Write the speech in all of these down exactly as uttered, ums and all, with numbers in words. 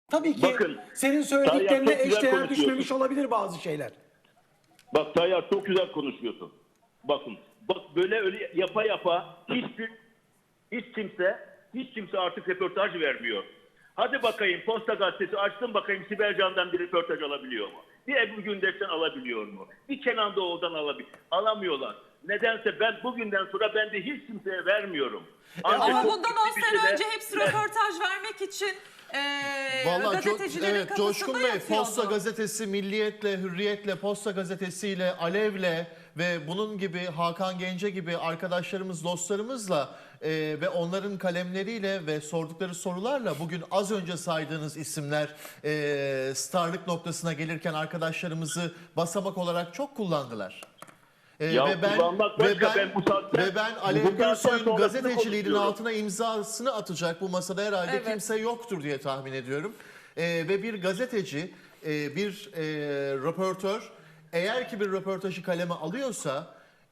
Tabii ki Bakın, senin Tayyar söylediklerine çok güzel eşdeğer konuşuyorsun. düşmemiş olabilir bazı şeyler. Bak Tayyar çok güzel konuşuyorsun. Bakın bak böyle öyle yapa yapa hiçbir hiç kimse hiç kimse artık röportaj vermiyor. Hadi bakayım Posta Gazetesi açtım bakayım Sibel Can'dan bir röportaj alabiliyor mu? Bir Ebru Gündeş'ten alabiliyor mu? Bir Kenan Doğulu'dan alabiliyor. Alamıyorlar. Nedense ben bugünden sonra ben de hiç kimseye vermiyorum. Ancak Ama çok bundan ciddi on bir sene şeyde- önce hepsi röportaj vermek için eee Vallahi çok, gazetecilerin evet, kafasında Coşkun Bey, yatıyordu. Posta Gazetesi, Milliyet'le, Hürriyet'le, Posta Gazetesi'yle, Alev'le ve bunun gibi Hakan Gence gibi arkadaşlarımız, dostlarımızla e, ve onların kalemleriyle ve sordukları sorularla bugün az önce saydığınız isimler e, starlık noktasına gelirken arkadaşlarımızı basamak olarak çok kullandılar. Ee, Ya ve ben kullanmak ve başka, ben, ben bu saatten- ve ben bu Alev saatten Gürsoy'un sonrasını gazeteciliğinin konuşuyorum. altına imzasını atacak bu masada herhalde Evet. kimse yoktur diye tahmin ediyorum. Ee, ve bir gazeteci, e, bir e, röportör eğer ki bir röportajı kaleme alıyorsa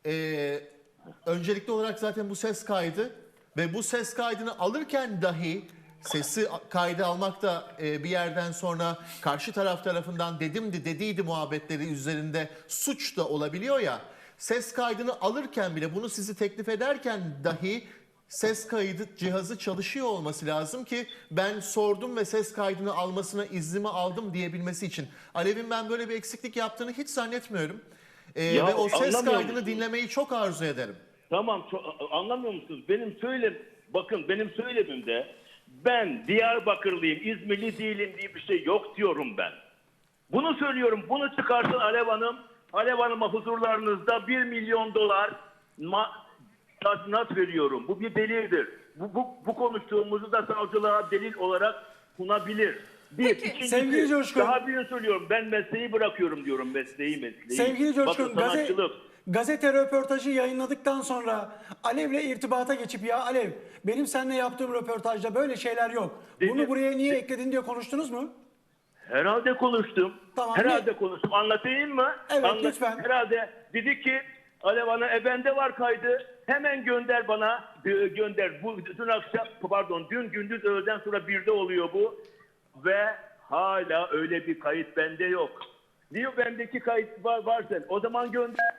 e, öncelikli olarak zaten bu ses kaydı ve bu ses kaydını alırken dahi sesi kaydı almak da e, bir yerden sonra karşı taraf tarafından dedimdi dediydi muhabbetleri üzerinde suç da olabiliyor ya. Ses kaydını alırken bile bunu sizi teklif ederken dahi ses kaydı cihazı çalışıyor olması lazım ki ben sordum ve ses kaydını almasına iznimi aldım diyebilmesi için. Alev'in ben böyle bir eksiklik yaptığını hiç zannetmiyorum. E, Ya, ve o ses anlamıyor kaydını musun? dinlemeyi çok arzu ederim. Tamam ço- anlamıyor musunuz? Benim söyle bakın benim söylemimde ben Diyarbakırlıyım, İzmirli değilim diye bir şey yok diyorum ben. Bunu söylüyorum. Bunu çıkarsın Alev Hanım. Alev Hanım'a huzurlarınızda bir milyon dolar ma- tazminat veriyorum. Bu bir delildir. Bu, bu, bu konuştuğumuzu da savcılığa delil olarak sunabilir. Bir, Peki, ikincisi, sevgili Coşkun. daha birini söylüyorum. Ben mesleği bırakıyorum diyorum. Mesleği mesleği. Sevgili Coşkun, Bakın gazete, sanatçılık. gazete röportajı yayınladıktan sonra Alev'le irtibata geçip ya Alev benim seninle yaptığım röportajda böyle şeyler yok. Bunu Dedi- buraya niye ekledin diye konuştunuz mu? Herhalde konuştum. Tamam, Herhalde ne- konuştum. Anlatayım mı? Evet, Anlat- lütfen. Herhalde dedi ki Alev Hanım e bende var kaydı. Hemen gönder bana. e, gönder. Bu dün akşam pardon dün gündüz öğleden sonra birde oluyor bu. Ve hala öyle bir kayıt bende yok. Diyor bendeki kayıt var, var sen. O zaman gönder.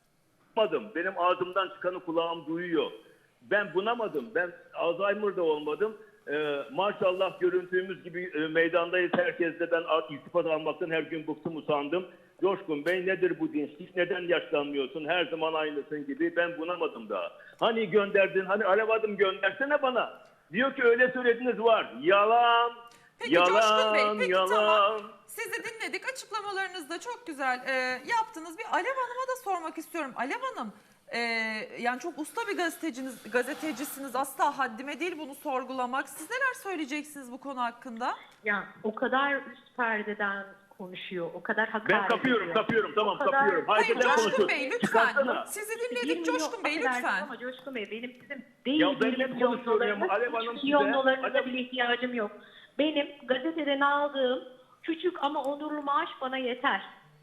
Benim ağzımdan çıkanı kulağım duyuyor. Ben bunamadım. Ben Alzheimer'da olmadım. Ee, maşallah görüntümüz gibi e, meydandayız. Herkes de ben art- iltifat almaktan her gün bıktım usandım. Coşkun Bey nedir bu dinçlik? Neden yaşlanmıyorsun? Her zaman aynısın gibi. Ben bunamadım daha. Hani gönderdin? Hani Alev Hanım göndersene bana. Diyor ki öyle söylediniz var. Yalan. Peki yalan. Coşkun Bey, peki yalan. tamam. Sizi dinledik. Açıklamalarınız da çok güzel e, yaptınız. Bir Alev Hanım'a da sormak istiyorum. Alev Hanım, e, yani çok usta bir gazeteciniz, gazetecisiniz. Asla haddime değil bunu sorgulamak. Siz neler söyleyeceksiniz bu konu hakkında? Ya o kadar üst perdeden konuşuyor, o kadar hakaret Ben kapıyorum, ediyor. kapıyorum. Tamam O kadar- kapıyorum. Hayır Haydi ben Coşkun konuşuyorum. Bey lütfen. Çıkarsana. Sizi Bir dinledik milyon- Coşkun Bey affedersiniz lütfen. Ama Coşkun Bey benim sizin değil Ya ben bir hep milyon konuşuyorum ya, dolarınız, Alev Hanım üç milyon size- dolarınıza Alev- bile ihtiyacım yok. Benim gazeteden aldığım küçük ama onurlu maaş bana yeter.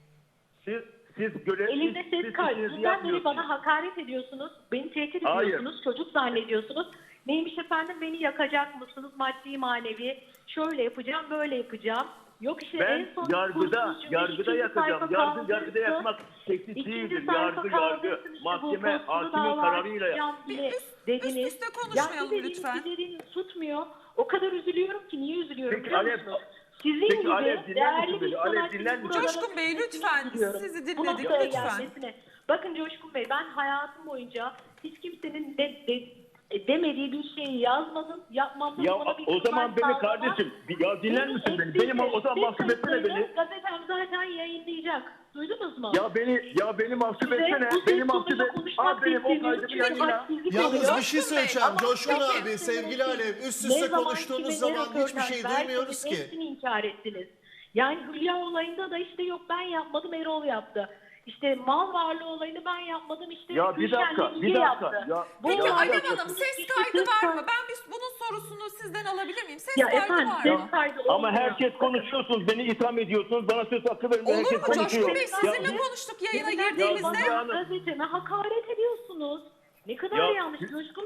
Siz siz görev Elimde siz- ses siz kaydı. işinizi Sizden beri yapmıyorsunuz. bana hakaret ediyorsunuz. Beni tehdit Hayır. ediyorsunuz. Çocuk zannediyorsunuz. Neymiş efendim beni yakacak mısınız maddi manevi? Şöyle yapacağım böyle yapacağım. Yok işte Ben en son yargıda kurtuluş cümle yargıda ikinci yakacağım. sayfa Yargı kaldırsın. yargıda yakmak tehdit İkinci değildir. sayfa Yargı yargı kaldırsın işte bu mahkeme postulu hakimin dava kararıyla açacağım Bir bile üst- dediniz. üst üste konuşmayalım Yani dediğiniz lütfen. giderin tutmuyor. O kadar üzülüyorum ki niye üzülüyorum Peki biliyor Alev- musunuz? Sizin Peki gibi Alev, dinler değerli misin bir beni? Alev, sanatçının dinler misin? buralara Coşkun Bey, gitmesini lütfen. üzülüyorum. Sizi Bu dinledik, noktaya lütfen. gelmesine. Bakın Coşkun Bey ben hayatım boyunca hiç kimsenin de, de, e, demediği bir şeyi yazmadım, yapmam da Ya bana bir o zaman ihtimal beni sağlamam. kardeşim bir- ya dinler Benim misin beni? eski Benim o o zaman ses mahcup etsene kayıtlarını beni. Gazetem zaten yayınlayacak. Duydunuz mu? Ya beni ya beni mahcup Size etsene. bu ses Beni mahcup tonuyla et. konuşmak Al benim o istemiyorum kaydı bir çünkü yayınla. hadsizlik Yalnız oluyor. bir şey Coşkun Bey, söyleyeceğim. ama Coşkun peki, abi, sevgili Alev, üst Ne üste zaman konuştuğunuz kime zaman ne hiçbir röportaj şey verseniz duymuyoruz ki. Hepsini inkar ettiniz. Yani Hülya olayında da işte yok ben yapmadım Erol yaptı. İşte mal varlığı olayını ben yapmadım işte Ya bir Gülşen dakika, Yenge bir dakika. yaptı. Ya- Bu Peki Ya- Alev Ya- Hanım ses kaydı var mı? Ben bir, bunun sorusunu sizden alabilir miyim? Ses Ya kaydı efendim var ses mı? kaydı Ama olmuyor. herkes konuşuyorsunuz. Beni itham ediyorsunuz. Bana söz hakkı verin. Olur Herkes mu Coşkun konuşuyor. Bey? Ya- Sizinle konuştuk yayına Neden girdiğimizde. Ya- bana gazeteme hakaret ediyorsunuz? Ne kadar Ya- yanlış Coşkun Bey.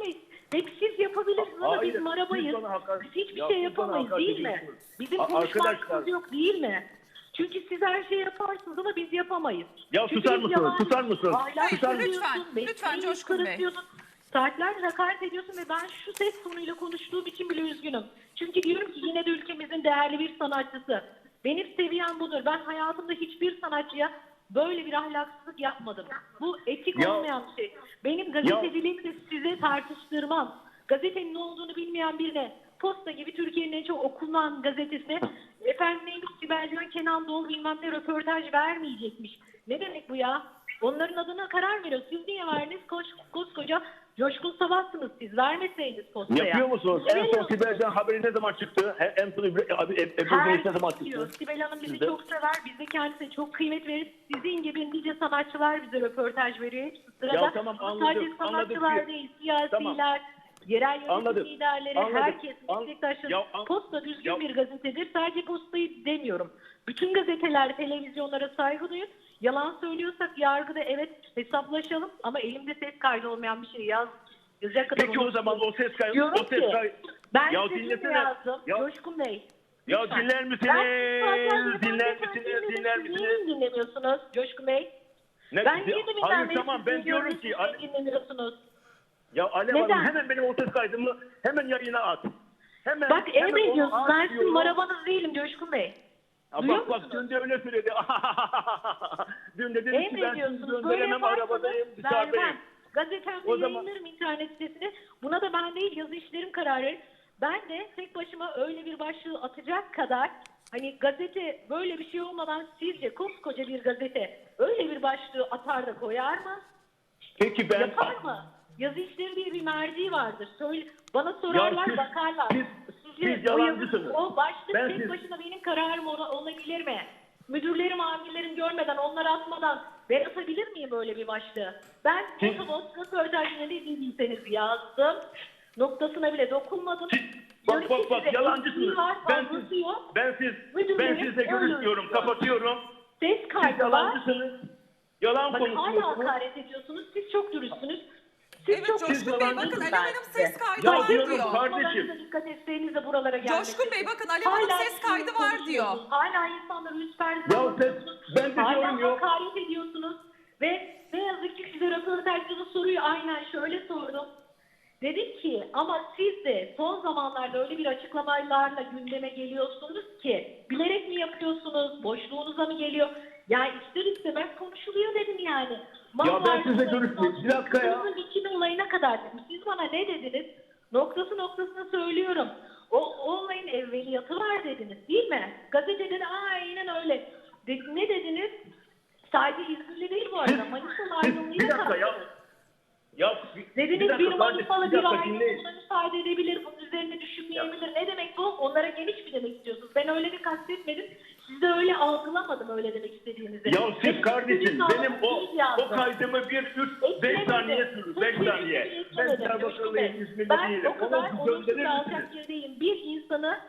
Hep siz yapabilirsiniz ama Hayır, biz marabayız. siz bana hakaret- Biz hiçbir Ya şey siz bana yapamayız hakaret değil mi? ediyorsunuz. Bizim A- konuşma arkadaşlar- hakkımız yok değil mi? Çünkü siz her şeyi yaparsınız ama biz yapamayız. Ya Çünkü susar biz mısınız? yalan- Susar mısınız? Ahlak Susar mısınız? kırıyorsun, Lütfen, lütfen mesleği Coşkun Bey. kırıtıyorsun. Saatlerce hakaret ediyorsun ve ben şu ses tonuyla konuştuğum için bile üzgünüm. Çünkü diyorum ki yine de ülkemizin değerli bir sanatçısı. Benim seviyem budur. Ben hayatımda hiçbir sanatçıya böyle bir ahlaksızlık yapmadım. Bu etik Ya- olmayan bir şey. Benim gazeteciliğimi de size tartıştırmam. Gazetenin ne olduğunu bilmeyen birine Posta gibi Türkiye'nin en çok okunan gazetesine efendim neymiş Sibel Can, Kenan Doğulu bilmem ne röportaj vermeyecekmiş. Ne demek bu ya? Onların adına karar veriyor. Siz niye verdiniz? Koş, koskoca Coşkun Sabahsınız siz. Vermeseydiniz postaya. Yapıyor musunuz? En son Veriyorsunuz. Sibel Can haberi ne zaman çıktı? He- En son Ebru abi Ebru Güneş ne zaman Herkes diyor. çıktı? Sibel Hanım bizi Sizde? çok sever. Biz de kendisine çok kıymet veririz. Sizin gibi nice sanatçılar bize röportaj veriyor. Hepsi sırada. Ya tamam, Ama anladık, sadece sanatçılar anladık. değil. Siyasiler, Tamam. yerel yönetim Anladık, liderleri, anladık. herkes, An- meslektaşları. Ya an- Posta düzgün Ya- bir gazetedir. Sadece Postayı demiyorum. Bütün gazeteler, televizyonlara saygı duyun. Yalan söylüyorsak yargıda evet hesaplaşalım ama elimde ses kaydı olmayan bir şey yaz. Yazacak kadar Peki o onu- zaman o ses kaydı, Diyorum o ses ki, kaydı. ben Ya size şunu dinlesene. yazdım. Ya- Coşkun Bey. Ya lütfen. dinler Ben misiniz? saatlerce Dinler yabancı misiniz? dinledim. Dinler Siz misiniz? Niye dinlemiyorsunuz Coşkun Bey? Ne- Ben niye de Hayır tamam ben diyorum ki siz Ale- dinlemiyorsunuz? ya Alev Neden? Hanım hemen benim o ses kaydımı hemen yayına at. Hemen, Bak hemen onu emrediyorsunuz. at Ben sizin diyorum. marabanız değilim Coşkun Bey. Ya Duyuyor bak bak musunuz? dün de öyle söyledi. Dün de dedi ki ben sizi Emrediyorsunuz. Böyle gönderemem yaparsanız arabadayım dışarıdayım. vermem. Gazetemde O zaman- yayınlarım internet sitesine. Buna da ben değil yazı işlerim karar verir. Ben de tek başıma öyle bir başlığı atacak kadar hani gazete böyle bir şey olmadan sizce koskoca bir gazete öyle bir başlığı atar da koyar mı? Peki ben Yapar mı? Yazı işleri diye bir merci vardır. Söyle, bana sorarlar, siz- bakarlar. siz- Sizce siz o yalancısınız. yazı- O başlık Ben tek siz- başına benim kararım ola- olabilir mi? Müdürlerim, amirlerim görmeden, onları atmadan ben atabilir miyim böyle bir başlığı? Ben Siz- otobüs röportajına ne dediyseniz yazdım. Noktasına bile dokunmadım. Bak Diyorum bak ki bak size yalancısınız. eksiği var, Ben fazlası siz, yok. ben siz, ben Müdürlerim sizle öyle görüşmüyorum. diyor. Kapatıyorum. Ses Siz kaydı var. yalancısınız. Yalan Bakın hala konuşuyorsunuz. hakaret ediyorsunuz. Siz çok dürüstsünüz. Siz Evet çok Coşkun Bey yalancısınız bakın Alev ben Hanım size. ses kaydı Ya var diyorum, diyor. kardeşim. Kardeşim. Dikkat etseniz buralara gelmek. Coşkun Bey bakın Alev Hanım ses kaydı var diyor. Hala insanları üst perde Ya ses, ben de Hala diyorum yok. hakaret ediyorsunuz. Ve ne yazık ki size röportajda da soruyu aynen şöyle sordum. Dedim ki ama siz de son zamanlarda öyle bir açıklamalarla gündeme geliyorsunuz ki bilerek mi yapıyorsunuz, boşluğunuza mı geliyor? Yani ister istemez konuşuluyor dedim yani. Ya ben sizle görüşmeyeyim. Bir dakika ya. Kızınızın bikini olayına kadar dedim. Siz bana ne dediniz? Noktası noktasına söylüyorum. O, o olayın evveliyatı var dediniz değil mi? Gazetede de aynen öyle. De, ne dediniz? Sadece İzmirli değil bu arada. Manisa'nın Siz, aydınlığıyla bir dakika ya. kalktınız. Ya bir, Dediniz bir dakika bir kardeşim, Manisalı bir bir dakika aile dinleyin. buna müsaade edebilir, bunun üzerine düşünmeyebilir. Ne demek bu? Onlara geniş mi demek istiyorsunuz? Ben öyle de kastetmedim. Siz de öyle algılamadım öyle demek istediğinizi. Ya siz Benim kardeşim istediğim benim o anlamda değil yazdım. o kaydımı bir üç beş Eklemedim. saniye sürdü. beş Hiçbir saniye. şey Ben eklemedim. Diyarbakırlıyım, Coşkun Bey. İzmirli Ben değilim. o kadar Onu onursuz gönderir alacak misiniz? yerdeyim. Bir insanı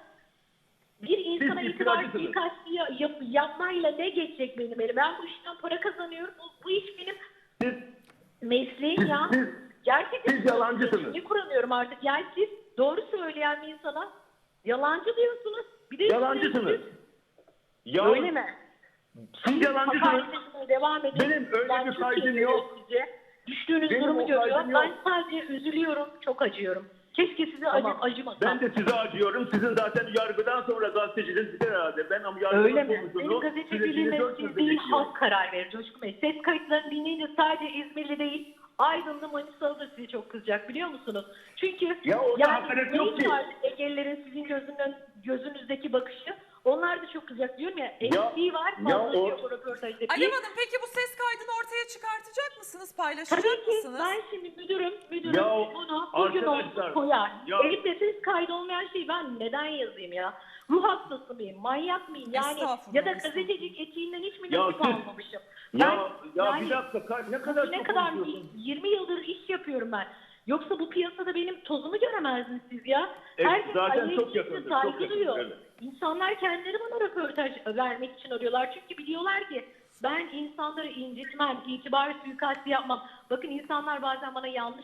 bir insana Siz itibar iftiracısınız. suikastı yap, yapmayla ne geçecek benim elime? Ben bu işten para kazanıyorum. Bu, bu iş benim Siz, mesleğim siz, ya. siz, Gerçekten siz yalancısınız. Ne kuramıyorum artık. Yani siz doğru söyleyen bir insana yalancı diyorsunuz. Bir de yalancısınız. üstüne Ya, öyle mi? siz yalancısınız. Hakaret etmeye devam edin. Benim öyle Ben bir çok kaydım iyi yok. sizce. Düştüğünüz Benim durumu o görüyor. kaydım Ben yok. sadece üzülüyorum. Çok acıyorum. Keşke size Tamam. acı, acımasam. Ben de size acıyorum. Sizin zaten yargıdan sonra gazeteciliğiniz biter herhalde. Ben ama yargının Öyle mi? Benim sonucunu gazeteciliğime sürecini dört siz gözle değil bekliyorum. halk karar verir Coşkun Bey. Ses kayıtlarını dinleyince sadece İzmirli değil Aydınlı, Manisalı da size çok kızacak biliyor musunuz? Çünkü Ya orada hakaret yok neyin ki. var Egelilerin sizin gözünden, gözünüzdeki bakışı onlar da çok kızacak diyorum ya. Eksiği var ya fazla o- diyor bu röportajda. Alev Bir- Hanım peki bu ses kaydını ortaya çıkartacak mısınız? Paylaşacak Tabii ki mısınız? ben şimdi müdürüm, müdürüm Ya bunu bugün arkadaşlar, olsun koyar. ya- Elimde ses kaydı olmayan şeyi ben neden yazayım ya? Ruh hastası mıyım, manyak mıyım? Yani Estağfurullah, ya da estağfurullah. gazetecilik etiğinden hiç mi Ya nasip siz- almamışım? Ya, ya yani bir dakika kar- ne kadar ne çok kadar konuşuyorsun. yirmi yıldır iş yapıyorum ben. Yoksa bu piyasada benim tozumu göremezdiniz siz ya. Evet, Herkes zaten Alev çok Yiğit'e yakındır, saygı çok yakındır, duyuyor. evet. İnsanlar kendileri bana röportaj vermek için arıyorlar. Çünkü biliyorlar ki ben insanları incitmem, itibar suikastı yapmam. Bakın insanlar bazen bana yanlış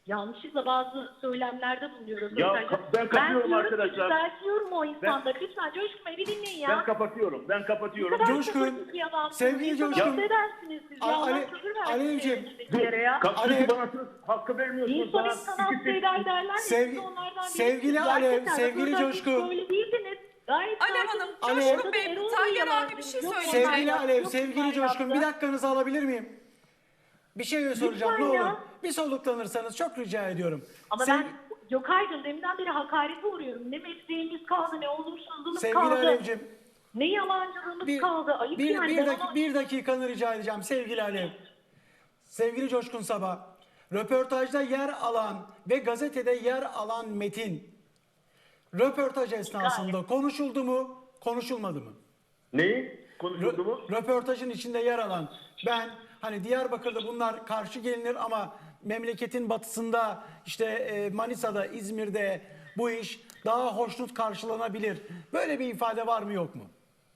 yanlışlıkla bazı söylemlerde bulunuyor. Ya, röportajda. ben kapatıyorum diyorum ki, arkadaşlar. düzeltiyorum o insanları. Lütfen Coşkun Bey bir dinleyin ya. Ben kapatıyorum. Ben Ne kapatıyorum. kadar Coşkun, sabırsız bir adamsınız. sevgili İnsan Coşkun. affedersiniz siz. Ale- Allah Ale- sabır versin Alevciğim, elinizdekileri ya. Kapsülü Alev- bana söz hakkı vermiyorsunuz. İnsan bana. insan İkisi- affeder derler ya. Sevgi- siz de onlardan sevgili birisiniz. Alev, Gerçekten sevgili röportajda Coşkun. Böyle değildiniz. Gayet Alev sakin. Hanım, Alev- Coşkun Bey, Erol Tayyar Bey abi bir şey yok söyleyecek. onlar Sevgili yaptı, Alev, yok sevgili bunlar Coşkun yaptı. bir dakikanızı alabilir miyim? Bir şey soracağım ne Lütfen olur. ya. Bir soluklanırsanız çok rica ediyorum. Ama Sev- ben yok Aydın deminden beri hakarete uğruyorum. Ne mesleğimiz kaldı, ne olumsuzluğumuz Sevgili kaldı. Alevciğim, Ne yalancılığımız bir, kaldı. Ayıp bir, yani. bir, Ben dak- ona- bir dakikanı rica edeceğim sevgili Alev. Sevgili Coşkun Sabah, röportajda yer alan ve gazetede yer alan metin, röportaj esnasında konuşuldu mu, konuşulmadı mı? Neyi? Konuşuldu Rö- mu? röportajın içinde yer alan, ben hani Diyarbakır'da bunlar karşı gelinir ama memleketin batısında işte e, Manisa'da, İzmir'de bu iş daha hoşnut karşılanabilir. Böyle bir ifade var mı yok mu?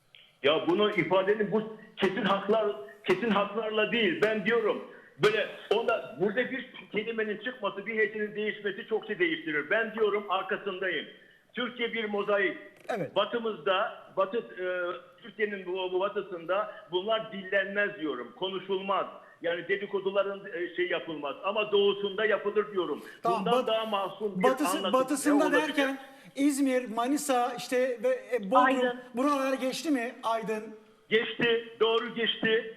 Ya bunu ifadenin bu kesin haklar kesin haklarla değil. Ben diyorum böyle onda burada bir kelimenin çıkması, bir hecenin değişmesi çok şey değiştirir. Ben diyorum arkasındayım. Türkiye bir mozaik. Evet. Batımızda, Batı e, Türkiye'nin bu, bu batısında bunlar dillenmez diyorum. Konuşulmaz. Yani dedikoduların e, şey yapılmaz. Ama doğusunda yapılır diyorum. Tamam, Bundan bat- daha masum bir batısı, anlatım batısında ne olabilir? derken İzmir, Manisa işte ve e, Bodrum Aydın. buralar geçti mi Aydın? Geçti, doğru geçti.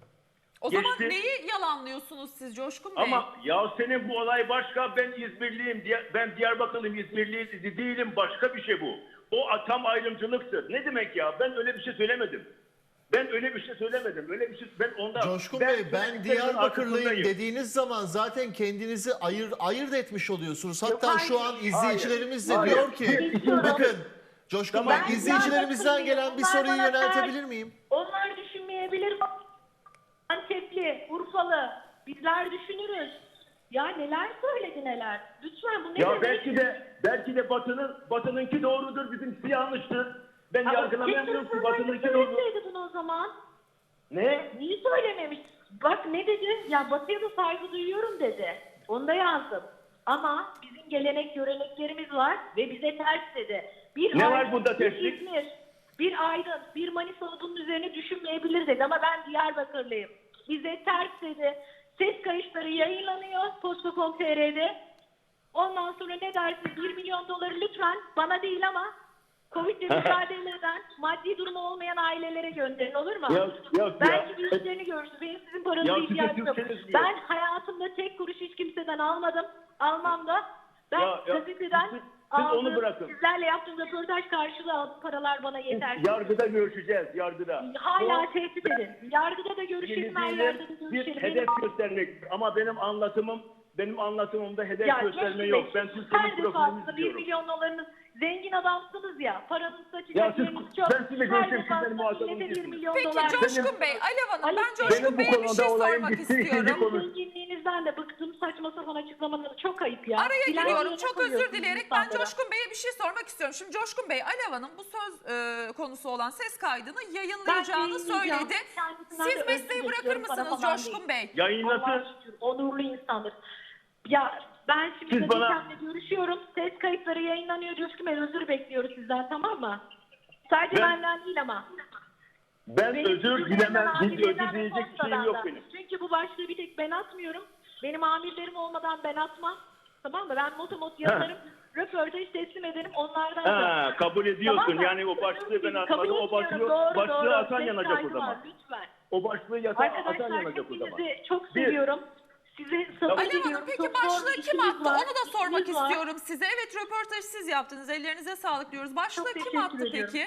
O zaman Geçti. neyi yalanlıyorsunuz siz Coşkun Bey? Ama ya senin bu olay başka, ben İzmirliyim, diye- ben Diyarbakırlıyım, İzmirli değilim, başka bir şey bu. O tam ayrımcılıktır. Ne demek ya? Ben öyle bir şey söylemedim. Ben öyle bir şey söylemedim. Öyle bir şey ben onda Coşkun Bey, ben söylediklerinin Diyarbakırlıyım arkasındayım. dediğiniz zaman zaten kendinizi ayır, ayırt etmiş oluyorsunuz. Hatta Yok, şu hayır. an izleyicilerimiz de Hayır. diyor ki, Hayır. bakın Coşkun Tamam. Bey, Ben izleyicilerimizden gelen bir Onlar soruyu bana yöneltebilir ters. miyim? Onlar düşünmeyebilir. Antepli, Urfalı, bizler düşünürüz. Ya neler söyledi neler. Lütfen bu ne Ya demek? belki de belki de Batı'nın Batı'nınki doğrudur, bizimkisi yanlıştır. Ben Ama yargılamıyorum ki keşke Batı'nınki doğru. söyleseydi bunu o zaman. Ne? Niye söylememiş? Bak ne dedi? Ya Batı'ya da saygı duyuyorum dedi. Onu da yazdım. Ama bizim gelenek göreneklerimiz var ve bize ters dedi. Bir Ne Aydın, var bunda bir terslik? İzmir, bir Aydın, bir Manisa bunun üzerine düşünmeyebilir dedi. Ama ben Diyarbakırlıyım. Bize ters dedi. Ses kayıtları yayınlanıyor posta nokta com nokta t r'de. Ondan sonra ne dersin? bir milyon doları lütfen bana değil ama Covid'le mücadele eden, maddi durumu olmayan ailelere gönderin, olur mu? Yok, yok Belki ya. bir işlerini görürsün. Benim sizin paranıza Ya size ihtiyacım yok. Türkçeniz yok. Ben hayatımda tek kuruş hiç kimseden almadım. Almam da. Ben Ya, ya, gazeteden siz- siz aldığım, onu bırakın. sizlerle yaptığım röportaj karşılığı aldığım paralar bana yeter. Yargıda görüşeceğiz, yargıda. Hala Bu- tehdit edin. Yargıda da görüşelim, her yerde de bir görüşelim. hedef Benim- göstermek. Ama benim anlatımım, benim anlatımımda hedef Ya gösterme Coşkun yok. Bey, Ben her Türkiye'nin profilini defasında bir izliyorum. milyon dolarınız, zengin adamsınız ya, paranız Ya saçacak siz- yeriniz çok. ben sizinle Her görüşeyim, siz defasında benim muhatabım millete bir değilsiniz. milyon Peki dolar. Coşkun Bey, Alev Hanım, Ali- ben Coşkun Benim bu Bey'e bir konuda şey olayın sormak bittiği ikinci istiyorum. konu. Zenginliğinizden de bıktım, saçma sapan açıklamaları çok ayıp ya. Araya Bilen giriyorum. yerine Çok özür koyuyorsunuz dileyerek ben insanlara. Coşkun Bey'e bir şey sormak istiyorum. Şimdi Coşkun Bey, Alev Hanım bu söz e, konusu olan ses kaydını yayınlayacağını yayınlayacağım. söyledi. Kendisinden Siz de mesleği özür bırakır bekliyorum, para mısınız falan Coşkun değil. Bey? Yayınlasın. Allah'a şükür, onurlu insandır. Ya ben şimdi Siz bana- gazetemle görüşüyorum. Ses kayıtları yayınlanıyor. Coşkun Bey, özür bekliyoruz sizden, tamam mı? Sadece Ben- benden değil ama. Ben Benim özür sizin dilemem. amirlerden Hiç özür ve dileyecek bir postadan şeyim yok da. benim. Çünkü bu başlığı bir tek ben atmıyorum. Benim amirlerim olmadan ben atmam. Tamam mı? Ben motomot yazarım. Röportaj teslim ederim. Onlardan da. Ha, kabul ediyorsun. Tamam mı? Yani o başlığı ben Kabul atmadım. O etmiyorum. başlığı, Doğru, başlığı doğru. atan Ses yanacak o kaydı zaman. var, lütfen. O başlığı yata, atan Arkadaşlar yanacak o zaman. hepinizi çok Bir- seviyorum. Size sabır Alev diliyorum. Hanım, peki Çok zor başlığı bir kim işiniz attı? var, Onu da sormak işiniz var. istiyorum size. Evet, röportajı siz yaptınız. Ellerinize sağlık diyoruz. Başlığı Çok kim teşekkür attı ediyorum. peki?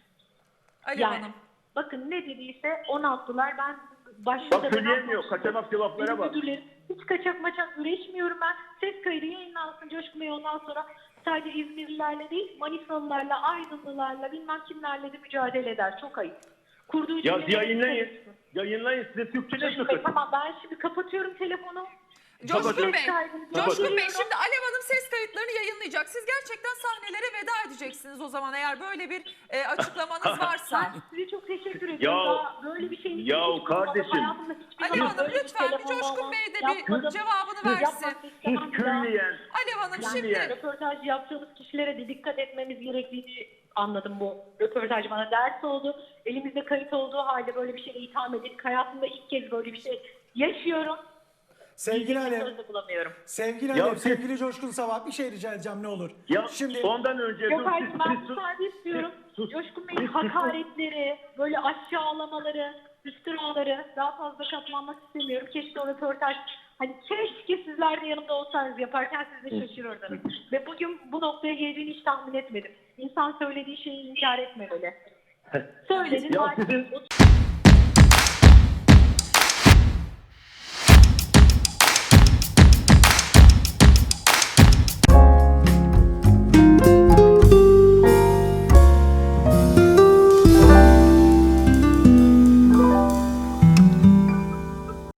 Alev Yani, Hanım. bakın ne dediyse onu attılar. Ben başlığı Bak da ben söyleyemiyor. atmadım. Kaçamak cevaplara Benim bak. müdürlerim hiç kaçak maçak üretmiyorum ben. Ses kaydı yayınlansın Coşkun Bey, ondan sonra sadece İzmirlilerle değil, Manisalılarla, Aydınlılarla, bilmem kimlerle de mücadele eder. Çok ayıp. Kurduğu Ya cümleleri yayınlayın. dikkat etsin. Yayınlayın. Size Türkçeniz mi Coşkun Bey, kötü? tamam, ben şimdi kapatıyorum telefonu. Coşkun Bey, Kaydını Coşkun Bey gönderiyorum. şimdi Alev Hanım ses kayıtlarını yayınlayacak. Siz gerçekten sahnelere veda edeceksiniz o zaman eğer böyle bir e, açıklamanız varsa. Ben size çok teşekkür ediyorum. Ya- Daha böyle bir şeyin ya hiç duymadım. kardeşim. Hayatımda hiçbir Alev zaman Hanım böyle lütfen bir telefon Coşkun bağlantı Bey de bir yapmadım. cevabını Yapmak versin. istemem Hiç bir daha. külliyen. Alev Hanım Yani şimdi röportaj yaptığımız kişilere de dikkat etmemiz gerektiğini anladım bu. Röportaj bana ders oldu. Elimizde kayıt olduğu halde böyle bir şeye itham edildik. Hayatımda ilk kez böyle bir şey yaşıyorum. Sevgili Diyecek bir Alev, söz de bulamıyorum. sevgili Ya Alev, siz- sevgili Coşkun Sabah bir şey rica edeceğim ne olur. Ya Şimdi ondan önce Yok dur, hayır siz- ben siz- müsaade istiyorum. sus. Coşkun Bey'in hakaretleri, böyle aşağılamaları, iftiraları daha fazla katlanmak istemiyorum. Keşke o röportaj, hani keşke sizler de yanımda olsanız yaparken siz de şaşırırdınız. Ve bugün bu noktaya geleceğini hiç tahmin etmedim. İnsan söylediği şeyi inkar etmemeli. Söyledin. Ya maalesef sizin- o-